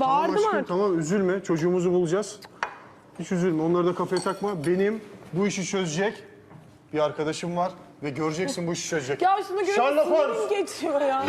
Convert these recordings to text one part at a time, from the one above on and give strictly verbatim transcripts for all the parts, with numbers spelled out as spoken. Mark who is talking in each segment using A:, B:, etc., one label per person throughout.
A: Bağırdım
B: Aşkım
A: artık.
B: tamam üzülme. Çocuğumuzu bulacağız. Hiç üzülme. Onları da kafaya takma. Benim bu işi çözecek bir arkadaşım var. Ve göreceksin bu işi çözecek.
A: Ya şunu görüp
B: Sherlock
A: sinirim
B: Holmes.
A: geçiyor ya.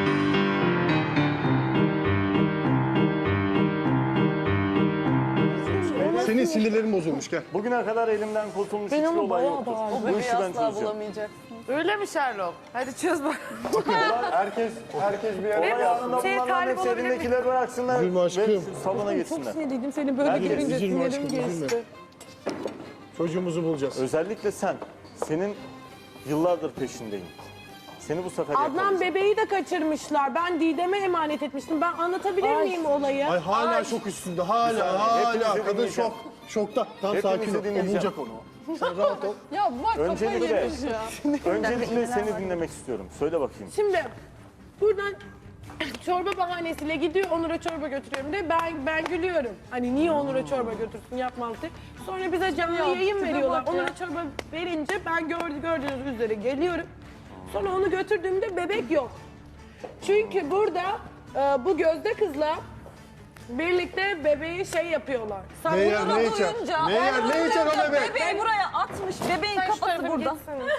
B: Senin sinirlerin bozulmuş gel.
C: Bugüne kadar elimden kurtulmuş
A: Ben
C: hiçbir
A: onu
C: olay
A: bayağı
C: yoktur.
A: bağırdım.
C: Bu işi ben çözeceğim.
A: bulamayacak.
D: Öyle mi Sherlock? Hadi çöz bak.
C: Herkes, herkes bir yere
D: Benim
C: ayağında
D: şeye
C: bunların
D: talip
C: hepsi
D: olabilir miyim?
C: elindekileri bıraksınlar
B: Üzülme aşkım.
C: ve salona
A: Çok
C: geçsinler.
A: sinirliydim seni böyle
C: Herkes
A: görünce
B: üzülme
A: sinirim
B: aşkım, üzülme.
A: geçti.
B: Çocuğumuzu bulacağız.
C: Özellikle sen. Senin yıllardır peşindeyim. Seni bu sefer
A: Adnan
C: yakalayacağım.
A: bebeği de kaçırmışlar. Ben Didem'e emanet etmiştim. Ben anlatabilir miyim olayı?
B: Ay hala şok üstünde. Hala
C: saniye,
B: hala.
C: hepinizi
B: Kadın
C: dinleyeceğim.
B: şok. Şokta. Tam
C: Hepinizi
B: sakin ol. O
C: dinleyeceğim.
B: bulacak onu. Sen rahat ol.
A: Ya bak kafayı
C: Öncelikle,
A: yemiş ya.
C: öncelikle seni dinlemek istiyorum. Söyle bakayım.
A: Şimdi buradan çorba bahanesiyle gidiyor Onur'a çorba götürüyorum de ben ben gülüyorum. Hani niye Onur'a çorba götürsün yapmaz diye. Sonra bize canlı yayın veriyorlar. Onur'a çorba verince ben gördü, gördüğünüz üzere geliyorum. Sonra onu götürdüğümde bebek yok. Çünkü burada e, bu gözde kızla birlikte bebeği şey yapıyorlar.
B: Ne yer ne içer? Ne yer ne içer o bebek?
E: Bebeği buraya atmış. Bebeğin kafası burada.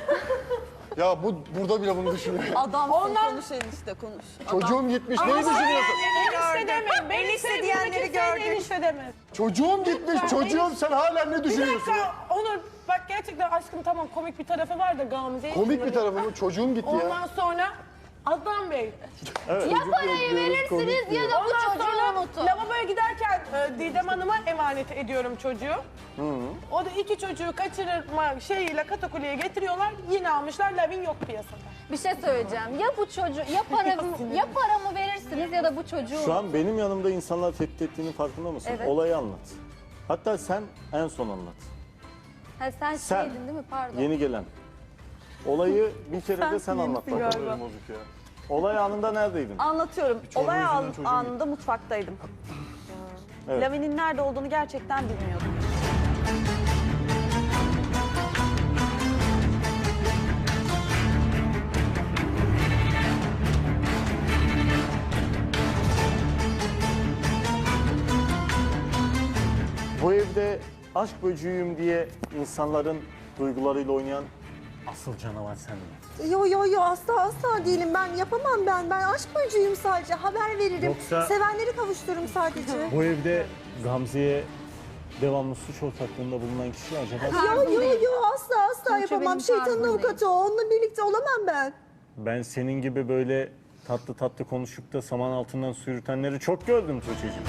B: Ya bu burada bile bunu düşünüyor.
E: Adam
A: Ondan-
E: konuş enişte konuş.
B: Çocuğum gitmiş. Neyi düşünüyorsun?
A: Enişte demeyin. Beni
E: Enişte
A: diyenleri
E: diyenleri
A: gördük.
E: gördük.
A: Enişte demez.
B: Çocuğum gitmiş. Çocuğum sen hala ne
A: Bir
B: düşünüyorsun?
A: dakika Onur bak gerçekten aşkım tamam komik bir tarafı var da Gamze'yi
B: Komik bir tarafı mı? Çocuğum gitti ya.
A: Ondan sonra Adnan Bey.
C: Evet.
F: Ya parayı verirsiniz ya da bu
A: Ondan
F: çocuğu
A: sonra
F: unutun.
A: lavaboya giderken e, Didem Hanım'a emanet ediyorum çocuğu. O da iki çocuğu kaçırma şeyiyle katakuleye getiriyorlar. Yine almışlar. Lavin yok piyasada.
F: Bir şey söyleyeceğim. Ya bu çocuğu ya paramı ya paramı verirsiniz ya da bu çocuğu
C: Şu an benim yanımda insanlar tehdit ettiğinin farkında mısın?
F: Evet.
C: Olayı anlat. Hatta sen en son anlat.
F: Ha, sen,
C: Sen.
F: şeydin değil mi? Pardon.
C: Yeni gelen. Olayı bir kere de sen anlat bakalım.
B: Bozuk ya.
C: Olay anında neredeydin?
E: Anlatıyorum. Olay
B: yüzünden
E: an-
B: çocuğum
E: anında mutfaktaydım.
C: Evet.
E: Lavin'in nerede olduğunu gerçekten bilmiyordum.
C: Bu evde aşk böceğiyim diye insanların duygularıyla oynayan asıl canavar sendin.
G: Yo yo yo asla asla değilim ben yapamam ben ben aşk böceğim sadece haber veririm
C: Yoksa-
G: sevenleri kavuştururum sadece.
C: Bu evde Gamze'ye devamlı suç ortaklığında bulunan kişi acaba?
G: Yo yo yo asla asla yapamam
F: benim
G: şeytanın
F: tarzım değil.
G: avukatı o onunla birlikte olamam ben.
C: Ben senin gibi böyle tatlı tatlı konuşup da saman altından su yürütenleri çok gördüm Tuğçe'cim.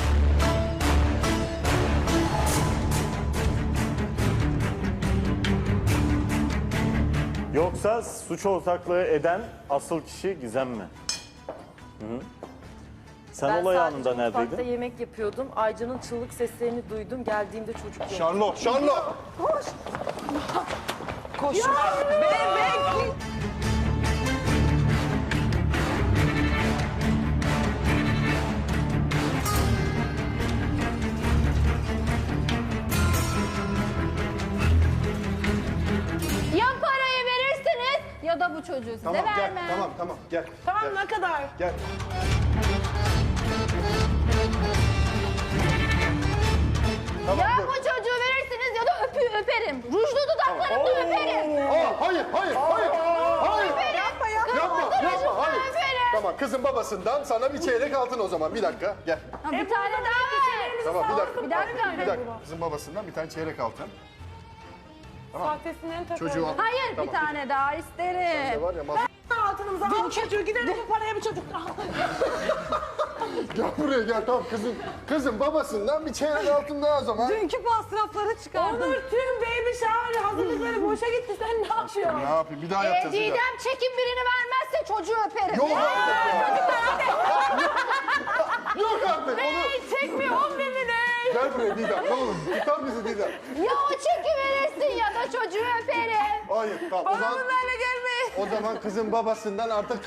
C: Yoksa suç ortaklığı eden asıl kişi Gizem mi? Hı? Sen
D: Ben
C: olay
D: sadece
C: anında
D: mutfakta
C: neredeydin?
D: yemek yapıyordum. Aycan'ın çığlık seslerini duydum. Geldiğimde çocuk yok.
B: Şarlo, Şarlo.
F: Ya parayı verirsiniz ya da bu çocuğu size
B: Tamam gel.
F: vermem.
B: Tamam tamam gel.
A: Tamam
B: Gel.
A: ne kadar?
B: Gel. Tamam,
F: Ya
B: dur.
F: bu çocuğu verirsiniz ya da öpü öperim. Rujlu dudaklarımla öperim.
B: Aa, hayır, hayır, hayır. Hayır.
F: Yapma ya.
B: Yapma, yapma, hayır.
F: öperim.
B: Tamam, kızın babasından sana bir çeyrek altın o zaman. Bir dakika, gel.
F: Ha, bir tane daha ver.
B: Tamam, bir dakika.
F: Bir dakika.
B: Bir dakika. Kızın babasından bir tane çeyrek altın.
A: Sahtesinden takıyorum.
B: Çocuğu al.
F: Hayır
B: Tamam.
F: bir tane daha
B: Ne
F: isterim.
B: var ya, mas-
A: Altınımızı al çocuğu gidelim bu paraya bir çocuk daha.
B: Gel buraya gel, tamam kızın. Kızın babasından bir çeyrek altın daha o zaman.
E: Dünkü masrafları çıkardım.
A: Onur tüm baby shower hazırlıkları boşa gitti. Sen ne yapıyorsun?
B: Ne yapayım, bir daha
F: Ee,
B: yapacağız. bir daha.
F: Didem çekim birini vermezse çocuğu öperim.
B: Yok artık ya. Yok artık. Onu...
F: Ey çekmiyor on bin lira.
B: Gel buraya Didem, ne olur. Tutar bizi Didem.
F: Ya o çeki verirsin ya da çocuğu öperim.
B: Hayır, tamam. O zaman,
E: Bunlarla gelmeyin.
B: o zaman kızın babasından artık